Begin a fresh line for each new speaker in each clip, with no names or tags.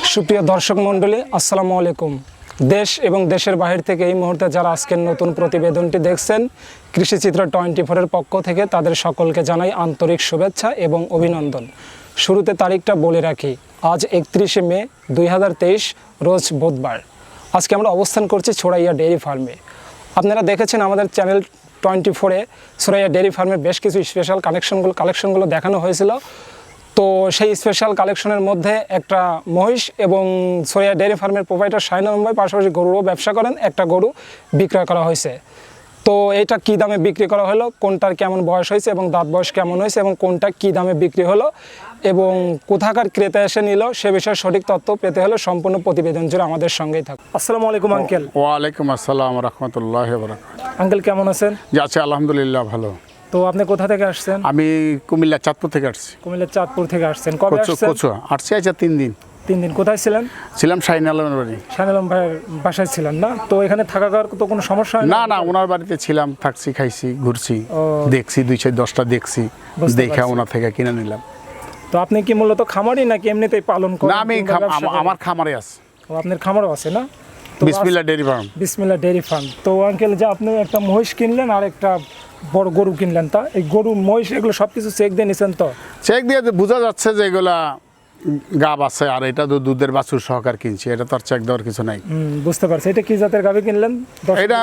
সুপ্রিয় দর্শক মণ্ডলী, আসসালামু আলাইকুম। দেশ এবং দেশের বাহির থেকে এই মুহূর্তে যারা আজকের নতুন প্রতিবেদনটি দেখছেন, কৃষিচিত্র 24-এর পক্ষ থেকে তাদের সকলকে জানাই আন্তরিক শুভেচ্ছা এবং অভিনন্দন। শুরুতে তারিখটা বলে রাখি, আজ 31শে মে 2023 রোজ বুধবার। আজকে আমরা অবস্থান করছি ছড়াইয়া ডেয়ারি ফার্মে। আপনারা দেখেছেন আমাদের চ্যানেল 24-এ ছড়াইয়া ডেয়ারি ফার্মের বেশ কিছু স্পেশাল কালেকশনগুলো দেখানো হয়েছিল। তো সেই স্পেশাল কালেকশনের মধ্যে একটা মহিষ এবং ছড়াইয়া ডেয়ারি ফার্মের প্রোপাইটার শাহিনুল ভাই পাশাপাশি গরুরও ব্যবসা করেন, একটা গরু বিক্রয় করা হয়েছে। তো এটা কী দামে বিক্রি করা হলো, কোনটার কেমন বয়স হয়েছে এবং দাঁত বয়স কেমন হয়েছে এবং কোনটা কী দামে বিক্রি হলো এবং কোথাকার ক্রেতা এসে নিল, সে বিষয়ে সঠিক তথ্য পেতে হলে সম্পূর্ণ প্রতিবেদন জুড়ে আমাদের সঙ্গেই থাকুন। আসসালামু আলাইকুম আঙ্কেল।
ওয়ালাইকুম আসসালাম রাহমাতুল্লাহি ওয়া বারাকাতুহু।
আঙ্কেল কেমন আছেন?
জি আছি আলহামদুলিল্লাহ, ভালো।
তো আপনি কোথা থেকে আসছেন?
আমি কুমিল্লা চাঁদপুর থেকে আসছি।
কুমিল্লা চাঁদপুর থেকে আসছেন। কবে আসছেন?
আসছি আচ্ছা 3 দিন।
3 দিন। কোথায় ছিলেন?
ছিলাম শাহিন আলমের বাড়ি।
শাহিন আলম ভাইয়ের বাসায় ছিলেন না? তো এখানে থাকা খাওয়ার তো কোনো সমস্যা হয়
না? না, ওনার বাড়িতে ছিলাম, থাকছি, খাইছি, ঘুরছি, দেখছি, 2-10টা দেখছি, দেখে ওনার থেকে কিনে নিলাম।
তো আপনি কি মূলত খামারি নাকি এমনিতেই পালন করেন?
না, আমি আমার খামারে আছে।
ও, আপনার খামারও আছে না?
Bismillah dairy farm.
Bismillah dairy farm. তো আঙ্কেল, যে আপনি একটা মহিষ কিনলেন আর একটা বড় গরু কিনলেন, তা এই গরু মহিষ এগুলো সব কিছু চেক দিয়ে নিছেন? তো
চেক দিয়ে বোঝা যাচ্ছে যে এগুলা গাব আছে, আর এটা তো দুধের বাছুর সহকার কিনছি, এটা তো আর চেক দেওয়ার কিছু নাই।
বুঝতে পারছি। এটা কি জাতের গাভী কিনলেন?
এটা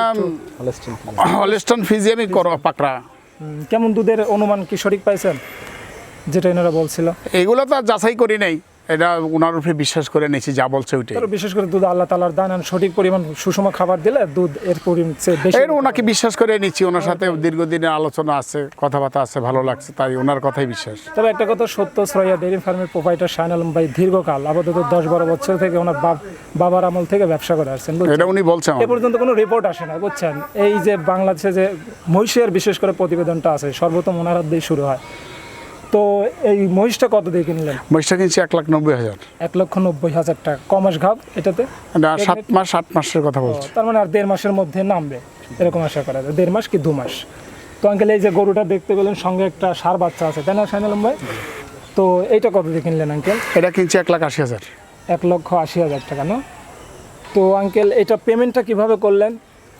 হলস্টাইন ফ্রিজিয়ান পাকড়া।
কেমন দুধের অনুমান কি সঠিক পাইছেন, যেটা এনারা বলছিল?
এগুলো তো আর যাচাই করি নাই, এটা ওনার উপরে বিশ্বাস করে নিয়েছি, যা বলছে ওইটাই।
বিশেষ করে দুধ আল্লাহ তাআলার দান, সঠিক পরিমাণ সুষম খাবার দিলে দুধ এর পরিমাণ বেশি।
ওনাকে বিশ্বাস করে নিচ্ছি, ওনার সাথে দীর্ঘদিনের আলোচনা আছে, কথাবার্তা আছে, ভালো লাগছে, তাই ওনার কথাই বিশ্বাস।
তবে একটা কথা সত্য, ছড়াইয়া ডেয়ারি ফার্মের প্রোপাইটার শাহিন আলম ভাই দীর্ঘকাল, আপাতত 10-12 বছর থেকে ওনার বাবার আমল থেকে ব্যবসা করে আসছেন।
এটা উনি বলছেন,
এ পর্যন্ত কোনো রিপোর্ট আসে না, বুঝছেন? এই যে বাংলাদেশে যে মহিষের বিশেষ করে প্রতিবেদনটা আছে, সর্বপ্রথম ওনার হাত দিয়ে শুরু হয়। তো এই মহিষটা কত দিয়ে কিনলেন?
মহিষটা কিনছি 1,90,000।
1,90,000 টাকা। কমাস ঘাব এটাতে?
7 মাসের কথা বলছি।
তার মানে আর 1.5 মাসের মধ্যে নামবে এরকম আশা করা যায়। 1.5 মাস কি 2 মাস। তো আঙ্কেল, এই যে গরুটা দেখতে পেলেন, সঙ্গে একটা ষাঁড় বাচ্চা আছে, তাই না শাহিন আলম ভাই? তো এইটা কত দিয়ে কিনলেন আঙ্কেল?
এটা কিনছি 1,80,000।
1,80,000 টাকা না? তো আঙ্কেল, এটা পেমেন্টটা কিভাবে করলেন?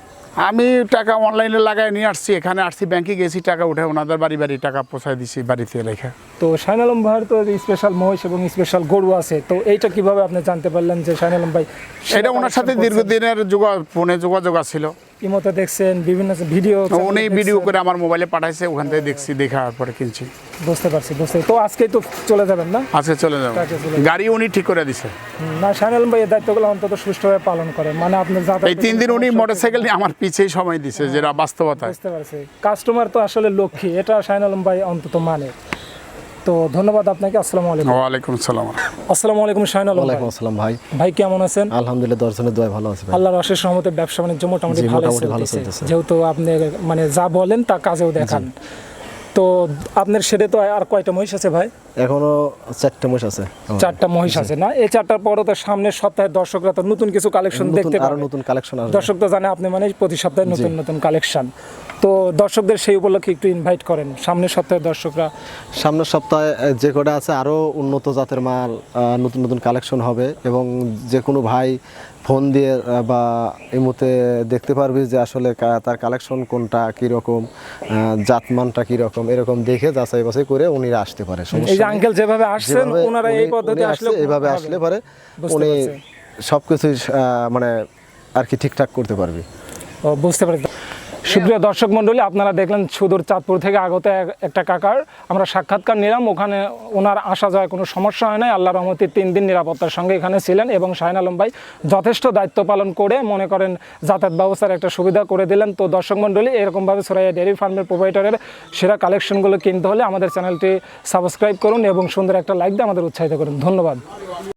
আমি টাকা অনলাইনে লাগাই নিয়ে আসছি, এখানে আসছি, ব্যাংকে গেছি, টাকা উঠে ওনাদের বাড়ি টাকা পৌঁছায় দিছি বাড়িতে রেখে।
তো শাহিন আলম ভাইয়ের তো স্পেশাল মহিষ এবং স্পেশাল গরু আছে, তো এইটা কিভাবে আপনি জানতে পারলেন যে শাহিন আলম ভাই?
এটা ওনার সাথে দীর্ঘদিনের ফোনে যোগাযোগ ছিল।
ইমোতে দেখছেন, বিভিন্ন ভিডিও,
উনি ভিডিও করে আমার মোবাইলে পাঠাইছে, ওখান থেকে দেখছি, দেখার পরে কিনছি।
বুঝতে পারছি। তো আজকেই তো চলে যাবেন না?
আজকে চলে যাবেন। গাড়ি উনি ঠিক করে দিছে।
না, শাহিন আলম ভাই এই দায়িত্বগুলো অন্তত সুষ্ঠুভাবে পালন করেন, মানে আপনার
এই 3 দিন উনি মোটরসাইকেল নিয়ে আমার পিছেই সময় দিছে, যেটা বাস্তবতা।
বুঝতে পারছি। কাস্টমার তো আসলে লক্ষ্মী, এটা শাহিন আলম ভাই অন্তত মানে। তো ধন্যবাদ আপনাকে। আসসালামু আলাইকুম।
ওয়ালাইকুম আসসালাম।
আসসালামু আলাইকুম শাহিন আলম।
ওয়ালাইকুম আসসালাম ভাই।
ভাই কেমন আছেন?
আলহামদুলিল্লাহ, দর্শনের দোয়ায় ভালো আছি ভাই।
আল্লাহর অশেষ রহমতে ব্যবসা বাণিজ্য মোটামুটি ভালো চলতেছে, যেহেতু আপনি মানে যা বলেন তা কাজেও দেখান। তো আপনার শেডে তো আর কয়টা মহিষ আছে ভাই?
এখনো 4টা মহিষ আছে।
4টা মহিষ আছে না? এই 4টার পরও তো সামনের সপ্তাহে দর্শকরা তো নতুন কিছু কালেকশন দেখতে পাবে।
নতুন কালেকশন আসবে।
দর্শক তো জানে আপনি মানে প্রতি সপ্তাহে নতুন নতুন কালেকশন। তো দর্শকদের সেই উপলক্ষে একটু ইনভাইট করেন, সামনের সপ্তাহে দর্শকরা।
সামনের সপ্তাহে যে কটা আছে আরও উন্নত জাতের মাল, নতুন নতুন কালেকশন হবে, এবং যে কোনো ভাই ফোন দিয়ে বা এই মুহূর্তে দেখতে পারবি যে আসলে তার কালেকশন কোনটা, কীরকম জাতমানটা কীরকম, এরকম দেখে যাচাই বাছাই করে উনি আসতে পারে।
এই যে আঙ্কেল যেভাবে আসছেন, ওনারা এই পদ্ধতি আসলে,
এইভাবে আসলে পারে উনি সব কিছুই মানে আর কি ঠিকঠাক করতে পারবি।
ও, বুঝতে পারি। সুপ্রিয় দর্শক মণ্ডলী, আপনারা দেখলেন সুদূর চাঁদপুর থেকে আগত একটা কাকার আমরা সাক্ষাৎকার নিলাম। ওখানে ওনার আসা যাওয়ায় কোনো সমস্যা হয় নাই, আল্লাহর রহমতে 3 দিন নিরাপত্তার সঙ্গে এখানে ছিলেন এবং শাহিন আলম ভাই যথেষ্ট দায়িত্ব পালন করে মনে করেন যাতায়াত ব্যবস্থার একটা সুবিধা করে দিলেন। তো দর্শক মণ্ডলী, এরকমভাবে ছড়াইয়া ডেয়ারি ফার্মের প্রোপাইটারের সেরা কালেকশনগুলো কিনতে হলে আমাদের চ্যানেলটি সাবস্ক্রাইব করুন এবং সুন্দর একটা লাইক দিয়ে আমাদের উৎসাহিত করুন। ধন্যবাদ।